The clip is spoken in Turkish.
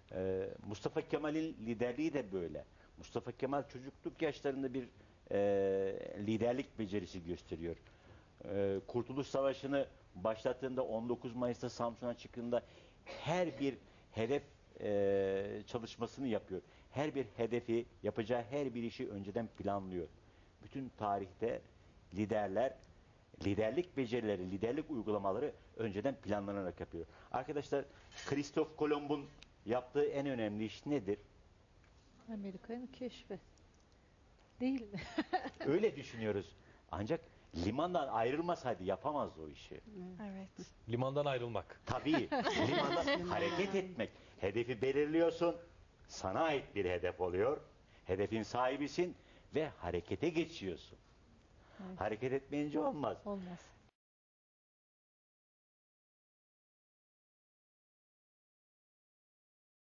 Mustafa Kemal'in liderliği de böyle. Mustafa Kemal çocukluk yaşlarında bir liderlik becerisi gösteriyor. Kurtuluş Savaşı'nı başlattığında 19 Mayıs'ta Samsun'a çıktığında her bir hedef çalışmasını yapıyor. Her bir hedefi, yapacağı her bir işi önceden planlıyor. Bütün tarihte liderler liderlik becerileri, liderlik uygulamaları önceden planlanarak yapıyor. Arkadaşlar, Kristof Kolomb'un yaptığı en önemli iş nedir? Amerika'nın keşfi. Değil mi? Öyle düşünüyoruz. Ancak limandan ayrılmasaydı yapamazdı o işi. Evet. Limandan ayrılmak. Tabii, limandan hareket etmek. Hedefi belirliyorsun, sana ait bir hedef oluyor. Hedefin sahibisin ve harekete geçiyorsun. Evet. Hareket etmeyince olmaz. Olmaz.